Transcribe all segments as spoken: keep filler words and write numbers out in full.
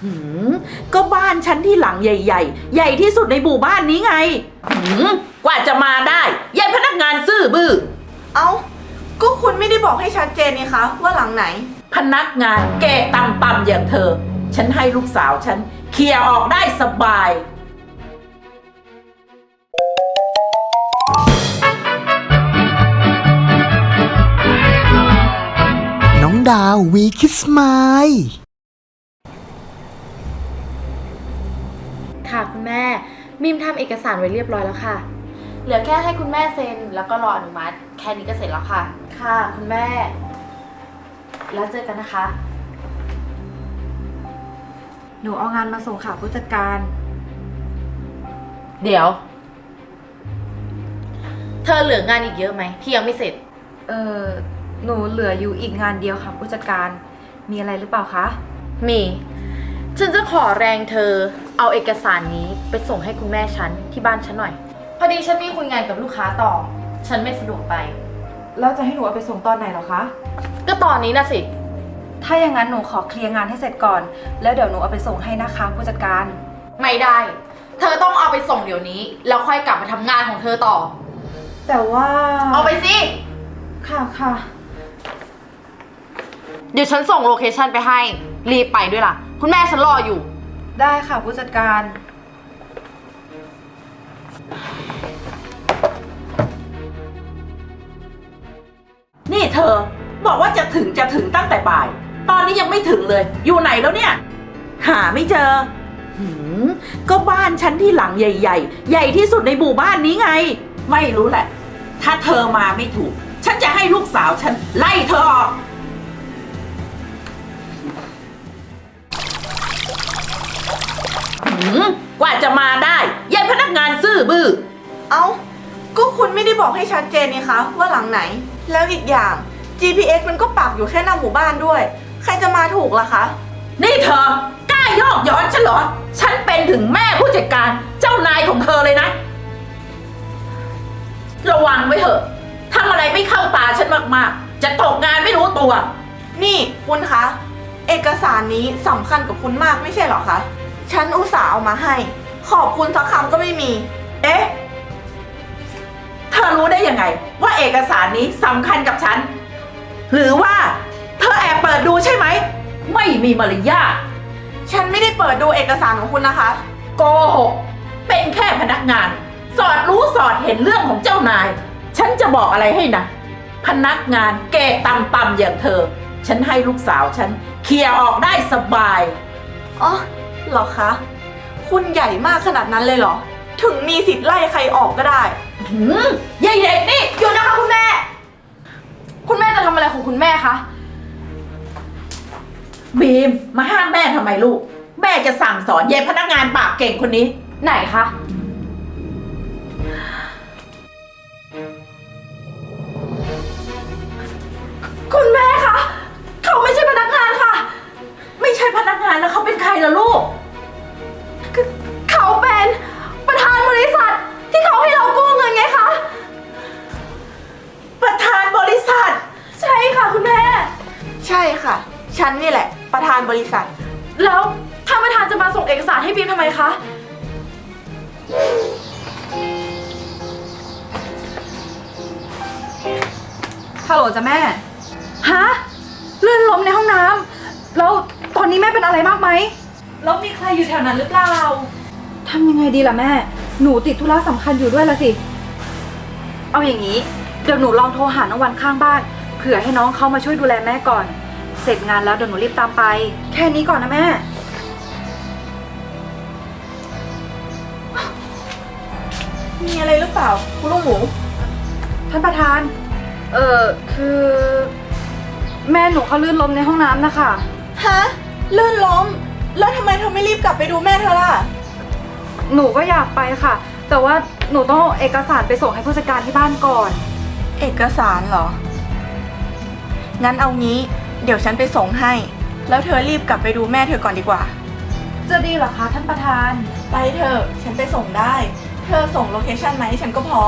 หืมก็บ้านฉันที่หลังใหญ่ๆใหญ่ที่สุดในหมู่บ้านนี้ไงหืมกว่าจะมาได้ยายพนักงานซื่อบื้อเอ้าก็คุณไม่ได้บอกให้ชัดเจนนี่คะว่าหลังไหนพนักงานแก่ต่ำๆอย่างเธอฉันให้ลูกสาวฉันเคลียร์ออกได้สบายน้องดาววีคิสไมล์ค่ะคุณแม่มิมทำเอกสารไว้เรียบร้อยแล้วค่ะเหลือแค่ให้คุณแม่เซ็นแล้วก็รออนุมัติแค่นี้ก็เสร็จแล้วค่ะค่ะคุณแม่แล้วเจอกันนะคะหนูเอางานมาส่งค่ะผู้จัดการเดี๋ยวเธอเหลืองานอีกเยอะไหมที่ยังไม่เสร็จเออหนูเหลืออยู่อีกงานเดียวค่ะผู้จัดการมีอะไรหรือเปล่าคะมีฉันจะขอแรงเธอเอาเอกสารนี้ไปส่งให้คุณแม่ฉันที่บ้านฉันหน่อยพอดีฉันมีคุยงานกับลูกค้าต่อฉันไม่สะดวกไปแล้วจะให้หนูเอาไปส่งตอนไหนเหรอคะก็ตอนนี้นะสิถ้าอย่างนั้นหนูขอเคลียร์งานให้เสร็จก่อนแล้วเดี๋ยวหนูเอาไปส่งให้นะคะผู้จัดการไม่ได้เธอต้องเอาไปส่งเดี๋ยวนี้แล้วค่อยกลับมาทำงานของเธอต่อแต่ว่าเอาไปสิค่ะค่ะเดี๋ยวฉันส่งโลเคชั่นไปให้รีบไปด้วยล่ะคุณแม่ฉันรออยู่ได้ค่ะผู้จัดการนี่เธอบอกว่าจะถึงจะถึงตั้งแต่บ่ายตอนนี้ยังไม่ถึงเลยอยู่ไหนแล้วเนี่ยหาไม่เจอหืมก็บ้านฉันที่หลังใหญ่ๆใหญ่ที่สุดในหมู่บ้านนี้ไงไม่รู้แหละถ้าเธอมาไม่ถูกฉันจะให้ลูกสาวฉันไล่เธอออกหืมกว่าจะมาได้ยายพนักงานซื่อบื้อเอ้าก็คุณไม่ได้บอกให้ชัดเจนนี่คะว่าหลังไหนแล้วอีกอย่าง จี พี เอส มันก็ปักอยู่แค่หน้าหมู่บ้านด้วยใครจะมาถูกล่ะคะนี่เธอกล้ายอกย้อนฉันเหรอฉันเป็นถึงแม่ผู้จัดการเจ้านายของเธอเลยนะระวังไว้เถอะทำอะไรไม่เข้าตาฉันมากๆจะตกงานไม่รู้ตัวนี่คุณคะเอกสารนี้สำคัญกับคุณมากไม่ใช่เหรอคะฉันอุตส่าห์เอามาให้ขอบคุณสักคำก็ไม่มีเอ๊ะเธอรู้ได้ยังไงว่าเอกสารนี้สำคัญกับฉันหรือว่าเธอแอบเปิดดูใช่ไหมไม่มีมารยาทฉันไม่ได้เปิดดูเอกสารของคุณนะคะโกหกเป็นแค่พนักงานสอดรู้สอดเห็นเรื่องของเจ้านายฉันจะบอกอะไรให้นะพนักงานเกะต่ำๆอย่างเธอฉันให้ลูกสาวฉันเคลียร์ออกได้สบายอ๋อเหรอคะคุณใหญ่มากขนาดนั้นเลยเหรอถึงมีสิทธิ์ไล่ใครออกก็ได้หืมยายเด็กนี่หยุดนะคะคุณแม่คุณแม่จะทำอะไรของคุณแม่คะบีมมาห้ามแม่ทำไมลูกแม่จะสั่งสอนยายพนักงานปากเก่งคนนี้ไหนคะคุณแม่คะเขาไม่ใช่พนักงานค่ะไม่ใช่พนักงานแล้วเขาเป็นใครล่ะลูกเขาเป็นประธานบริษัทที่เขาให้เรากู้เงินไงคะประธานบริษัทใช่ค่ะคุณแม่ใช่ค่ะฉันนี่แหละประธานบริษัทแล้วท่านประธานจะมาส่งเอกสารให้บีมทำไมคะฮัลโหลจ้ะแม่ฮะลื่นล้มในห้องน้ำแล้วตอนนี้แม่เป็นอะไรมากไหมแล้วมีใครอยู่แถวนั้นหรือเปล่าทำยังไงดีล่ะแม่หนูติดธุระสำคัญอยู่ด้วยละสิเอาอย่างนี้เดี๋ยวหนูลองโทรหาน้องวันข้างบ้านเผื่อให้น้องเขามาช่วยดูแลแม่ก่อนเสร็จงานแล้วเดี๋ยวหนูรีบตามไปแค่นี้ก่อนนะแม่มีอะไรหรือเปล่าคุณลูกหมูท่านประธานเออคือแม่หนูเขาลื่นล้มในห้องน้ำนะคะฮะลื่นล้มแล้วทำไมเธอไม่รีบกลับไปดูแม่เธอล่ะหนูก็อยากไปค่ะแต่ว่าหนูต้องเอาเอกสารไปส่งให้ผู้จัดการที่บ้านก่อนเอกสารเหรองั้นเอางี้เดี๋ยวฉันไปส่งให้แล้วเธอรีบกลับไปดูแม่เธอก่อนดีกว่าจะดีเหรอคะท่านประธานไปเถอะฉันไปส่งได้เธอส่งโลเคชั่นมาให้ฉันก็พอ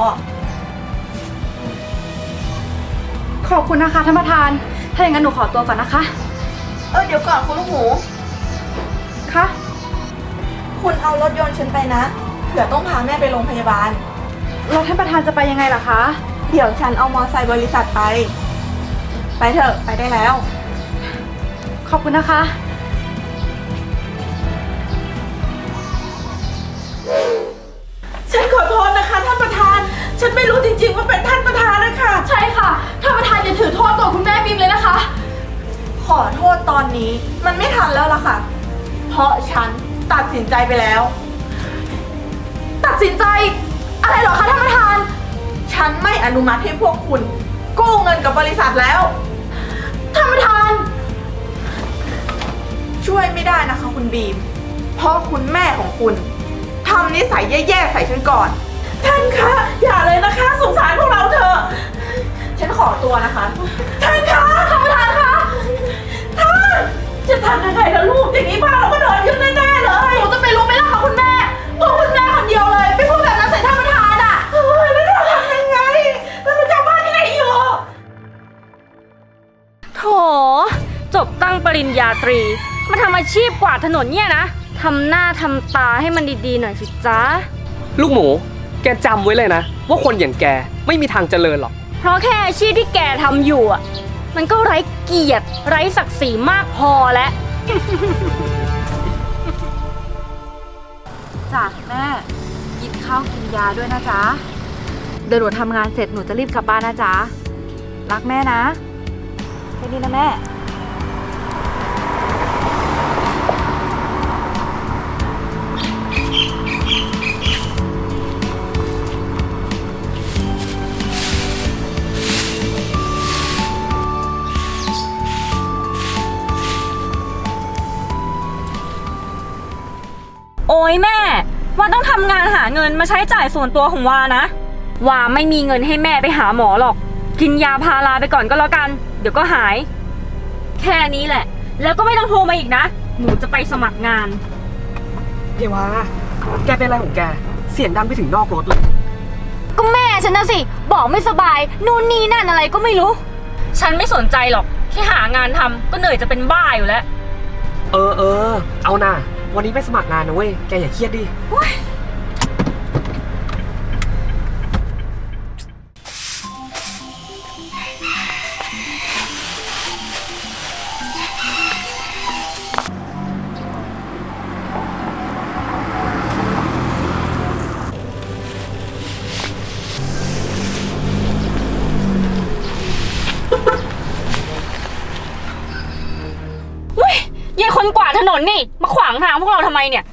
ขอบคุณนะคะท่านประธานถ้าอย่างนั้นหนูขอตัวก่อนนะคะเออเดี๋ยวก่อนคุณลูกหมูคคะคุณเอารถยนต์ฉันไปนะ เผื่อต้องพาแม่ไปโรงพยาบาลแล้วท่านประธานจะไปยังไงล่ะคะเดี๋ยวฉันเอามอไซค์บริษัทไป ไปเถอะ ไปได้แล้วขอบคุณนะคะฉันขอโทษนะคะท่านประธาน ฉันไม่รู้จริงๆว่าเป็นท่านประธานนะคะใช่ค่ะ ท่านประธานอย่าถือโทษตัวคุณแม่บีมเลยนะคะขอโทษตอนนี้มันไม่ทันแล้วล่ะค่ะ เพราะฉันตัดสินใจไปแล้วตัดสินใจ อะไรเหรอคะท่านประธานฉันไม่อนุมัติให้พวกคุณ กู้เงินกับบริษัทแล้วท่านประธานช่วยไม่ได้นะคะคุณบีม เพราะคุณแม่ของคุณทำนิสัยแย่ๆใส่ฉันก่อนท่านคะ อย่าเลยนะคะ สงสารพวกเราเถอะฉันขอตัวนะคะท่านคะท่านประธานคะท่านจะทำยังไงล่ะลูก อย่างนี้บ้านเราก็โดนยึดแน่ๆเลยหนูจะไปรู้ไหมล่ะคะคุณแม่เพราะคุณแม่คนเดียวเลยไปพูดแบบนั้นใส่ท่านประธานอ่ะเฮ้ยแล้วเราทำยังไงเราจะบ้านที่ไหนอยู่โถจบตั้งปริญญาตรี มาทำอาชีพกวาดถนนเนี่ยนะทำหน้าทำตาให้มันดีๆหน่อยสิจ๊ะลูกหมู แกจำไว้เลยนะ ว่าคนอย่างแกไม่มีทางเจริญหรอกเพราะแค่อาชีพที่แกทำอยู่อ่ะ มันก็ไร้เกียรติไร้ศักดิ์ศรีมากพอแล้วจ้ะแม่ กินข้าวกินยาด้วยนะจ๊ะ เดี๋ยวหนูทำงานเสร็จหนูจะรีบกลับบ้านนะจ๊ะ รักแม่นะแค่นี้นะแม่โอ้ยแม่วาต้องทำงานหาเงินมาใช้จ่ายส่วนตัวของวานะวาไม่มีเงินให้แม่ไปหาหมอหรอก กินยาพาราไปก่อนก็แล้วกัน เดี๋ยวก็หาย แค่นี้แหละ แล้วก็ไม่ต้องโทรมาอีกนะ หนูจะไปสมัครงานเยวาแกเป็นอะไรของแก เสียงดังไปถึงนอกรถเลยก็แม่ฉันนะสิ บอกไม่สบายนู่นนี่นั่นอะไรก็ไม่รู้ ฉันไม่สนใจหรอกแค่หางานทำก็เหนื่อยจะเป็นบ้าอยู่แล้วเออเออ เอานะวันนี้ไปสมัครงานนะเว้ย แกอย่าเครียดดิอุ้ยยายคนกวาดถนนนี่ มาขวางทางพวกเราทำไมเนี่ย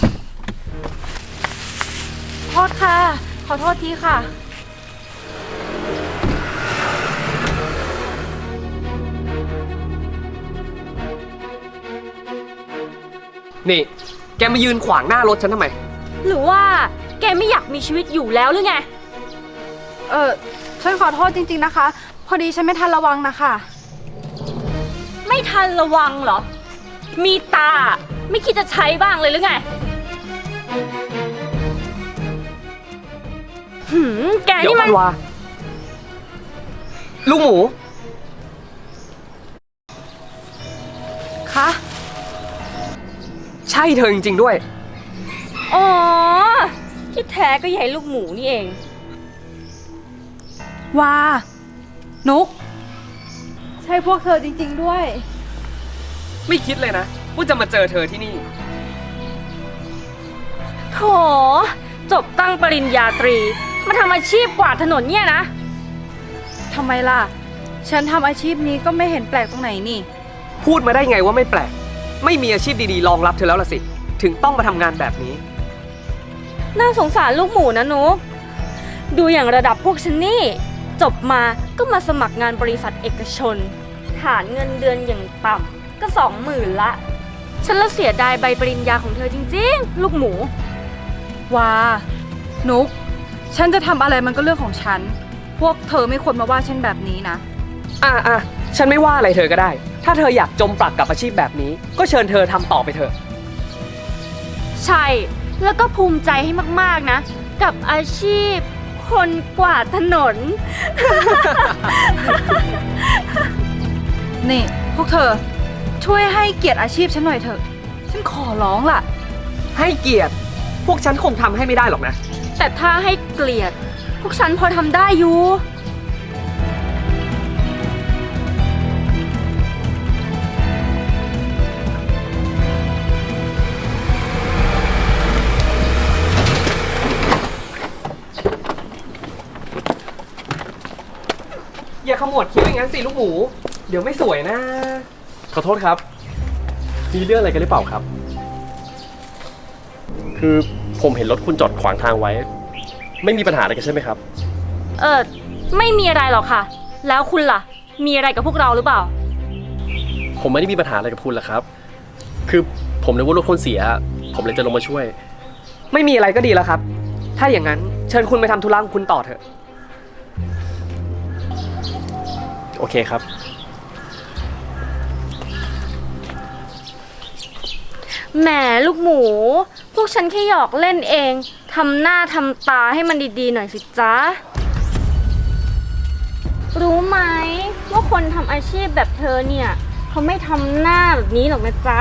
โทษค่ะ ขอโทษทีค่ะนี่ แกมายืนขวางหน้ารถฉันทำไมหรือว่าแกไม่อยากมีชีวิตอยู่แล้วหรือไงเออฉันขอโทษจริงๆนะคะ พอดีฉันไม่ทันระวังนะคะไม่ทันระวังเหรอ มีตา ไม่คิดจะใช้บ้างเลยหรือไง หืม แกเดี๋ยวนี่ก่มัอน นวาลูกหมูคะใช่เธอจริงๆด้วยอ๋อ ที่แท้ก็ยายลูกหมูนี่เองว่า นุก ใช่พวกเธอจริงๆด้วยไม่คิดเลยนะว่าจะมาเจอเธอที่นี่โถ จบตั้งปริญญาตรี มาทำอาชีพกวาดถนนเนี่ยนะทำไมล่ะ ฉันทำอาชีพนี้ก็ไม่เห็นแปลกตรงไหนนี่พูดมาได้ไงว่าไม่แปลก ไม่มีอาชีพดีๆรองรับเธอแล้วล่ะสิ ถึงต้องมาทำงานแบบนี้น่าสงสารลูกหมูนะนุกดูอย่างระดับพวกฉันนี่ จบมาก็มาสมัครงานบริษัทเอกชน ฐานเงินเดือนอย่างต่ำก็สองหมื่นละ ฉันละเสียดายใบปริญญาของเธอจริงๆ ลูกหมูว่า นุก ฉันจะทำอะไรมันก็เรื่องของฉัน พวกเธอไม่ควรมาว่าฉันแบบนี้นะอ่ะอ่ะฉันไม่ว่าอะไรเธอก็ได้ ถ้าเธออยากจมปลักกับอาชีพแบบนี้ ก็เชิญเธอทำต่อไปเถอะใช่ แล้วก็ภูมิใจให้มากๆนะ กับอาชีพ คนกวาดถนนนี่ พวกเธอ ช่วยให้เกียรติอาชีพฉันหน่อยเถอะ ฉันฉันขอร้องล่ะให้เกียรติ พวกฉันคงทำให้ไม่ได้หรอกนะแต่ถ้าให้เกลียด พวกฉันพอทำได้อยู่อย่าขมวดคิ้วอย่างนั้นสิลูกหมู เดี๋ยวไม่สวยนะขอโทษครับ มีเรื่องอะไรกันหรือเปล่าครับ คือผมเห็นรถคุณจอดขวางทางไว้ ไม่มีปัญหาอะไรกันใช่ไหมครับเออไม่มีอะไรหรอกค่ะ แล้วคุณล่ะ มีอะไรกับพวกเราหรือเปล่าผมไม่ได้มีปัญหาอะไรกับคุณหรอกครับ คือผมนึกว่ารถคุณเสีย ผมเลยจะลงมาช่วยไม่มีอะไรก็ดีแล้วครับ ถ้าอย่างนั้นเชิญคุณไปทำธุระของคุณต่อเถอะโอเคครับแหมลูกหมู พวกฉันแค่หยอกเล่นเองทำหน้าทำตาให้มันดีๆหน่อยสิจ๊ะ รู้ไหมว่าคนทำอาชีพแบบเธอเนี่ยเขาไม่ทำหน้าแบบนี้หรอกนะจ๊ะ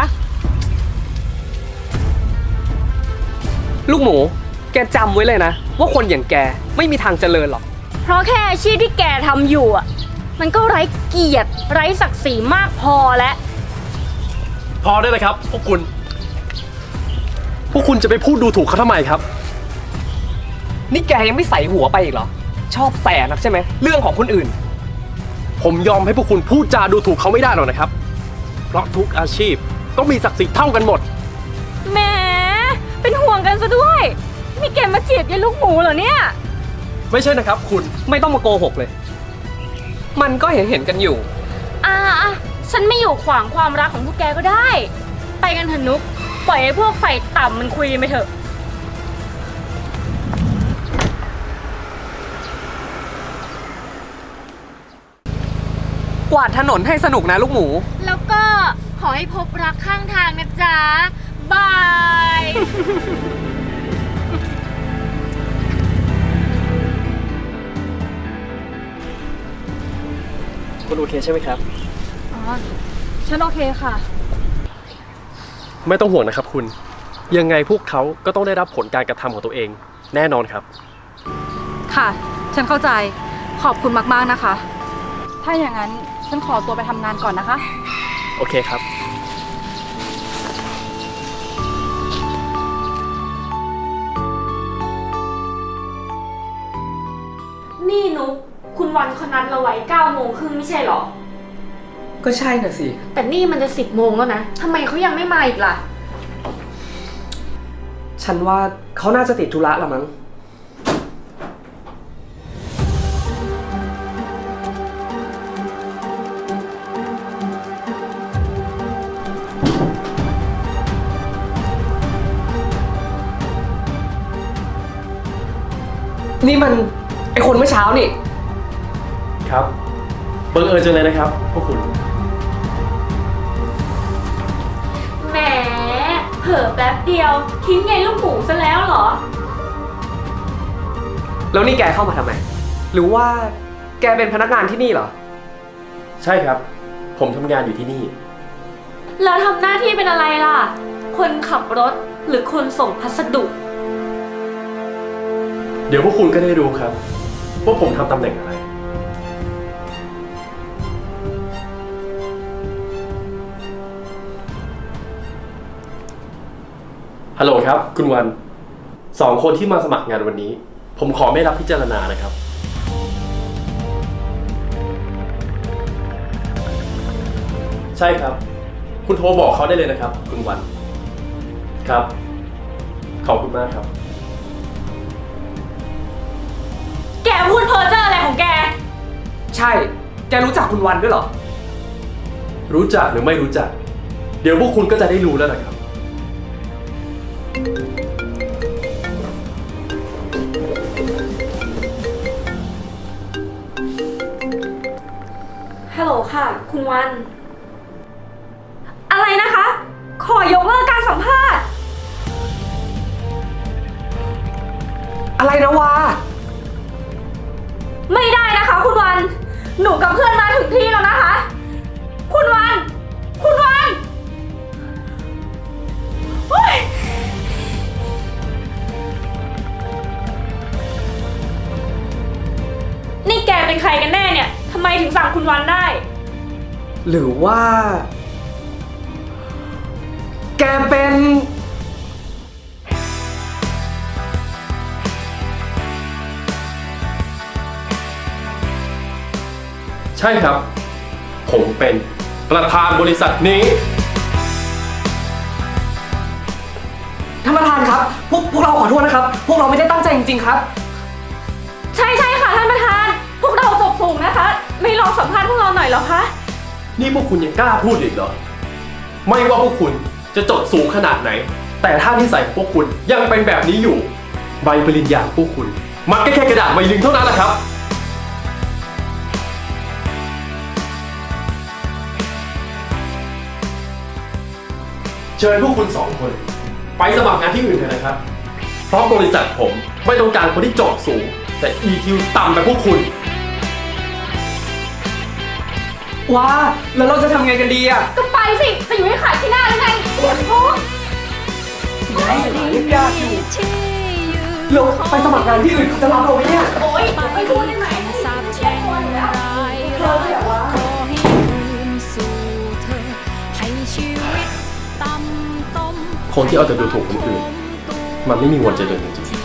ลูกหมู แกจำไว้เลยนะ ว่าคนอย่างแกไม่มีทางเจริญหรอกเพราะแค่อาชีพที่แกทำอยู่อ่ะ มันก็ไร้เกียรติไร้ศักดิ์ศรีมากพอแล้วพอได้เลยครับ พวกคุณ พวกคุณจะไปพูดดูถูกเขาทำไมครับนี่แกยังไม่ใส่หัวไปอีกเหรอ ชอบแสนักใช่ไหม เรื่องของคนอื่นผมยอมให้พวกคุณพูดจาดูถูกเขาไม่ได้หรอกนะครับ เพราะทุกอาชีพต้องมีศักดิ์ศรีเท่ากันหมดแหมเป็นห่วงกันซะด้วยนี่แกมาจีบยายลูกหมูเหรอเนี่ยไม่ใช่นะครับ คุณไม่ต้องมาโกหกเลย มันก็เห็นเห็นๆกันอยู่อ่าอ่ะฉันไม่อยู่ขวางความรักของพวกแกก็ได้ ไปกันเถอะนุก ปล่อยให้พวกไฟต่ำมันคุยกันไปเถอะกวาดถนนให้สนุกนะลูกหมูแล้วก็ขอให้พบรักข้างทางนะจ๊ะ บายคุณโอเคใช่ไหมครับอ๋อ ฉันโอเคค่ะไม่ต้องห่วงนะครับคุณ ยังไงพวกเขาก็ต้องได้รับผลการกระทำของตัวเอง แน่นอนครับค่ะ ฉันเข้าใจ ขอบคุณมากๆนะคะ ถ้าอย่างนั้นฉันขอตัวไปทำงานก่อนนะคะโอเคครับนี่นุก คุณวันคนนั้นเราไว้เก้าโมงครึ่งไม่ใช่หรอก็ใช่น่ะสิแต่นี่มันจะสิบโมงแล้วนะทำไมเขายังไม่มาอีกล่ะฉันว่าเขาน่าจะติดธุระละมั้ง นี่มันไอคนเมื่อเช้านี่ครับบังเอิญจังเลยนะครับ พวกคุณแหมเผลอแป๊บเดียว ทิ้งยายลูกหมูซะแล้วเหรอแล้วนี่แกเข้ามาทำไม หรือว่าแกเป็นพนักงานที่นี่เหรอใช่ครับ ผมทำงานอยู่ที่นี่แล้วทำหน้าที่เป็นอะไรล่ะ คนขับรถหรือคนส่งพัสดุเดี๋ยวพวกคุณก็ได้รู้ครับ ว่าผมทำตำแหน่งอะไร ฮัลโหลครับ คุณวัน สองคนที่มาสมัครงานวันนี้ ผมขอไม่รับพิจารณานะครับ ใช่ครับ คุณโทรบอกเขาได้เลยนะครับ คุณวัน ครับ ขอบคุณมากครับแกพูดเพ้อเจ้ออะไรของแกใช่ แกรู้จักคุณวันด้วยเหรอรู้จักหรือไม่รู้จัก เดี๋ยวพวกคุณก็จะได้รู้แล้วนะครับฮัลโหลค่ะ คุณวัน อะไรนะคะ ขอยกเลิกการสัมภาษณ์อะไรนะวาไม่ได้นะคะ คุณวัน หนูกับเพื่อนมาถึงที่แล้วนะคะ คุณวัน คุณวันเป็นใครกันแน่เนี่ยทำไมถึงสั่งคุณวันได้หรือว่า แกเป็นใช่ครับ ผมเป็นประธานบริษัทนี้ท่านประธานครับ พวกพวกเราขอโทษนะครับ พวกเราไม่ได้ตั้งใจจริงๆครับใช่ใช่ค่ะท่านประธาน พวกเราจบสูงนะคะ ไม่ลองสัมภาษณ์พวกเราหน่อยเหรอคะนี่พวกคุณยังกล้าพูดอีกเหรอ ไม่ว่าพวกคุณจะจดสูงขนาดไหน แต่ถ้านิสัยของพวกคุณยังเป็นแบบนี้อยู่ ใบปริญญาของพวกคุณ มันก็แค่กระดาษใบหนึ่งเท่านั้นแหละครับ เชิญพวกคุณสองคน ไปสมัครงานที่อื่นเถอะนะครับ เพราะบริษัทผมไม่ต้องการคนที่จบสูง แต่ อี คิว ต่ำแบบพวกคุณว้า แล้วเราจะทำไงกันดีอ่ะก็ไปสิ จะอยู่ให้ขายที่หน้าหรือไงปวดท้องยากอยู่เราไปสมัครงานที่อื่นเขาจะรับเราไหมเนี่ยโอ๊ยไม่พูดได้ไหมคนที่เอาแต่ดูถูกคนอื่น มันไม่มีวันเจริญจริงๆ